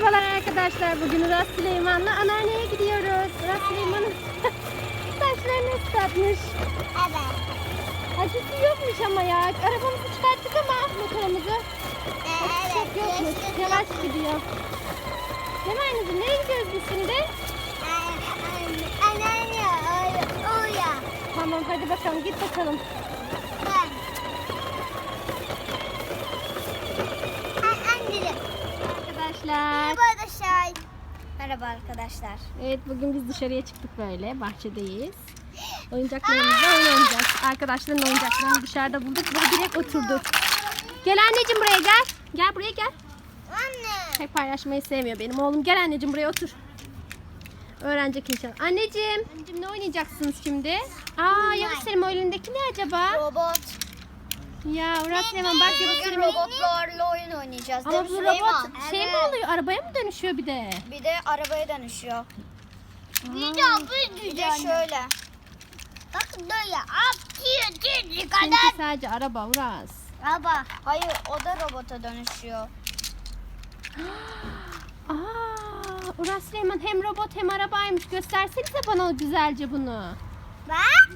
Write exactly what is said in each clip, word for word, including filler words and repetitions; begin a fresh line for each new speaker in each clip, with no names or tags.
Merhabalar arkadaşlar. Bugün Uras Süleyman'la anneanneye gidiyoruz. Uras Süleyman'ın saçlarını ıslatmış.
Evet.
Acısı yokmuş ama ya. Arabamızı çıkarttık ama motorumuzu.
Evet.
Çok yokmuş. Yavaş gidiyor. Değil mi anneciğim? Nereye gidiyoruz biz şimdi?
Anneanne oraya.
Tamam hadi bakalım. Git bakalım.
Ben. Anneanne.
Arkadaşlar.
Merhaba arkadaşlar. Merhaba arkadaşlar.
Evet bugün biz dışarıya çıktık böyle. Bahçedeyiz. Oyuncaklarımızla oyun oynayacağız. Arkadaşların oyuncaklarını dışarıda bulduk ve direkt oturduk. Gel anneciğim buraya gel. Gel buraya gel.
Anne.
Pek paylaşmayı sevmiyor benim oğlum. Gel anneciğim buraya otur. Öğrenecek inşallah. Anneciğim. Anneciğim ne oynayacaksınız şimdi? Aa Yavuz Selim o elindeki ne acaba?
Robot.
Ya Uras Süleyman bak Yavuz
Bugün
Selim.
robotlarla oyun oynayacağız.
Ama
Değil mi
bu
Süleyman?
robot şey mi oluyor? Arabaya mı dönüşüyor bir de?
Bir de arabaya dönüşüyor.
Bir
de bir de şöyle. Bak böyle atıyor
Çünkü sadece araba Uras.
Araba. Hayır o da robota dönüşüyor.
Aa, Uras Süleyman hem robot hem arabaymış. Göstersenize bana güzelce bunu.
Bak.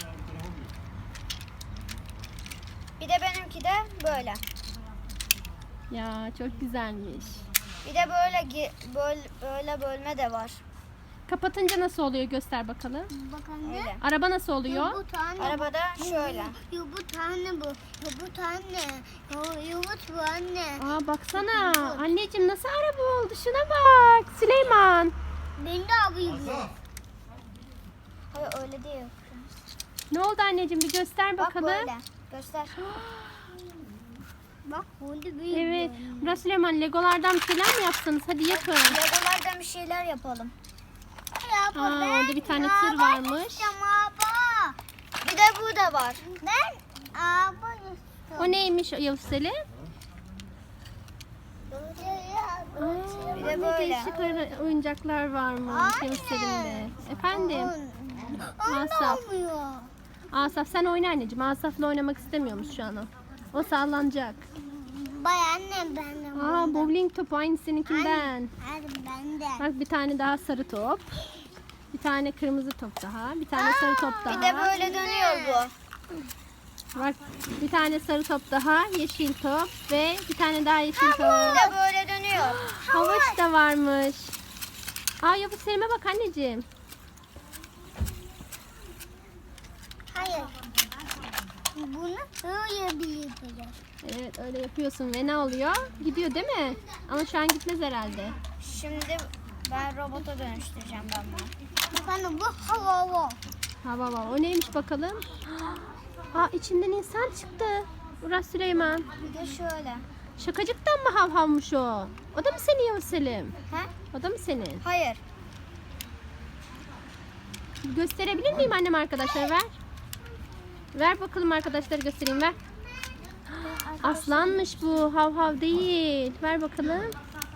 Bir de benimki de böyle.
Ya çok güzelmiş.
Bir de böyle gi- böyle, böyle bölme de var.
Kapatınca nasıl oluyor göster bakalım.
Bakın öyle.
Araba nasıl oluyor?
Bu tane. Arabada şöyle. Yo bu tane bu. Yo bu tane. Yo, yo bu tane.
Aa baksana. Anneciğim nasıl araba oldu? Şuna bak. Süleyman.
Ben de abiyim. Hayır öyle değil.
Ne oldu anneciğim bir göster
Bak
bakalım.
böyle. Göster. Bak bunu büyük.
Evet. Uras Süleyman Legolardan bir şeyler mi yapsanız? Hadi yapın.
Legolardan bir şeyler yapalım.
Aa, orada bir tane tır varmış.
Bir de bu da var. Ben araba
O neymiş Yavuz Selim? Aa,
Bir de
ne
böyle.
değişik ara- oyuncaklar varmış Yavuz Selim'de. Efendim? Asaf. Asaf sen oyna anneciğim. Asaf'la oynamak istemiyormuş şu an o. O sallanacak.
Bay annem ben de.
Aa bowling topu aynı seninkinden.
Hadi ben de.
Bak bir tane daha sarı top. Bir tane kırmızı top daha. Bir tane sarı top daha.
Bir de böyle dönüyor bu.
Bak bir tane sarı top daha. Yeşil top ve bir tane daha yeşil
Bir
top.
de böyle dönüyor.
Havuç da varmış. Aa Yavuz Selim'e bak anneciğim.
Hayır. Bunu böyle bir yapacağız.
Evet öyle yapıyorsun ve ne oluyor? Gidiyor değil mi? Ama şu an gitmez herhalde.
Şimdi ben robota dönüştüreceğim ben bunu. Efendim bu hava hava.
Hava var. O neymiş bakalım? Aa içinden insan çıktı. Uras Süleyman.
Bir de şöyle.
Şakacıktan mı hav havmış o? O da mı senin Yavuz Selim?
He?
O da mı senin?
Hayır.
Gösterebilir miyim annem arkadaşlar ver. Ver bakalım arkadaşlar göstereyim ver. Aslanmış bu hav hav değil. Ver bakalım.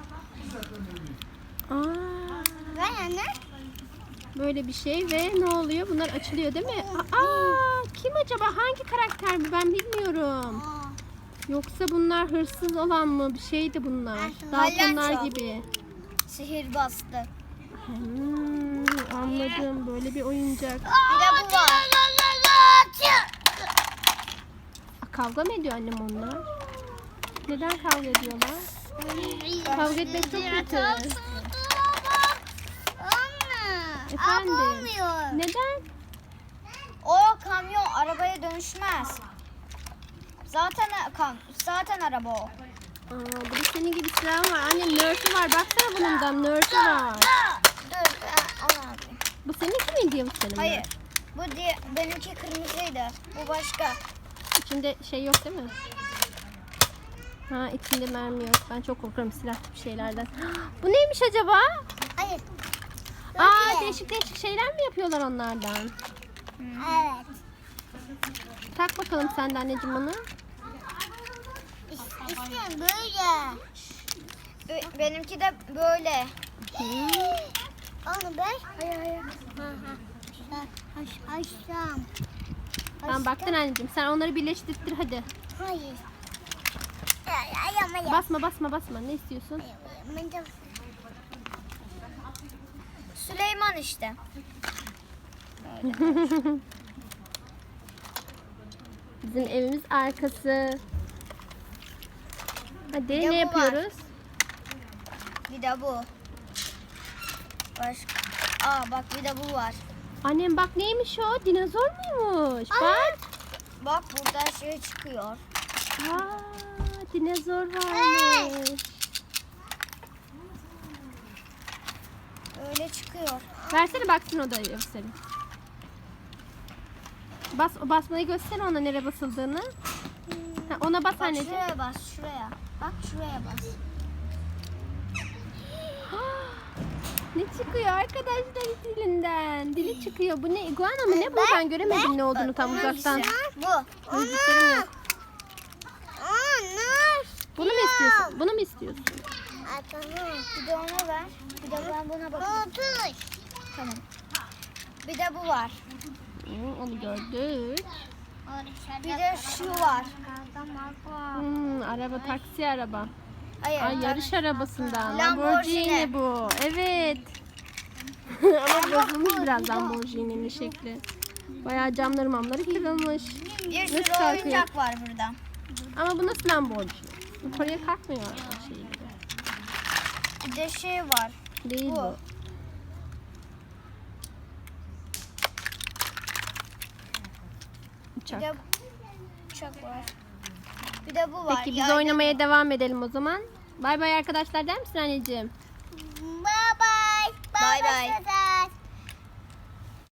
Aa,
Ben anne.
böyle bir şey ve ne oluyor? Bunlar açılıyor değil mi? Aa, kim acaba? Hangi karakter bu? Ben bilmiyorum. Yoksa bunlar hırsız olan mı? Bir şeydi bunlar. Daltonlar
Palyaço.
gibi.
Sihir bastı.
Hmm, anladım. Böyle bir oyuncak.
Bir de bu var.
Aa, kavga mı ediyor annem onlar? Neden kavga ediyorlar? Kavga etmek çok kötü. Efendim? Neden?
O kamyon arabaya dönüşmez. Zaten kam zaten araba o.
Aa, burada senin gibi silah var. Annem nörtü var. Baksana bunun da nörtü var.
Dur ben onu alayım.
Bu seninki miydi Yavuz Selim?
Hayır. Bu diye benimki kırmızıydı. Bu başka.
İçinde şey yok değil mi? Ha içinde mermi yok. Ben çok korkarım silah gibi şeylerden. Bu neymiş acaba?
Hayır.
Aa değişik değişik şeyler mi yapıyorlar onlardan?
Evet.
Tak bakalım sen de anneciğim onu.
İşte böyle. Benimki de böyle. Onu ben. Hayır hayır. Haş haşlam.
Tamam baktın anneciğim. Sen onları birleştirtir hadi.
Hayır.
Basma basma basma. Ne istiyorsun?
işte.
Bizim evimiz arkası. Hadi
Bir de
ne
bu var.
yapıyoruz?
Bir de bu. Başka. Aa bak bir de bu var.
Annem bak neymiş o? Dinozor muymuş? Bak.
Bak burada şey çıkıyor.
Aa, dinozor varmış.
Öyle çıkıyor.
Versene baksın o da gösterin. Bas, basmayı göster ona nereye basıldığını. Ha, ona bas
Bak
anneciğim.
şuraya bas şuraya. Bak şuraya bas.
Ne çıkıyor arkadaşlar dilinden? Dili çıkıyor. Bu ne? Iguana mı? Ne bu? Ben göremedim ne olduğunu tam uzaktan.
Bu.
Gözlüklerim yok.
Onlar.
Bunu mu istiyorsun? Bunu mu istiyorsun?
Bir de ona ver. Bir de ben buna bakayım. Tamam. Bir de bu var.
Hı, onu gördük.
Bir de şu var.
Hmm, araba, taksi araba.
Hayır.
Ay yarış arabasından.
Lamborghini.
Lamborghini bu. Evet. Ama bozulmuş biraz Lamborghini'nin şekli. Bayağı camları mamları kırılmış.
Bir
Nasıl
sürü
kalkıyor?
oyuncak var burada.
Ama bu nasıl Lamborghini? Yukarıya kalkmıyor şey gibi.
Bir de şey var.
Değil
Bu.
bu.
Bir
Uçak.
de uçak var. Bir de bu var.
Peki biz
Yaylı
oynamaya devam edelim o zaman. Bay bay arkadaşlar der misin anneciğim?
Bye bye. Bye bye.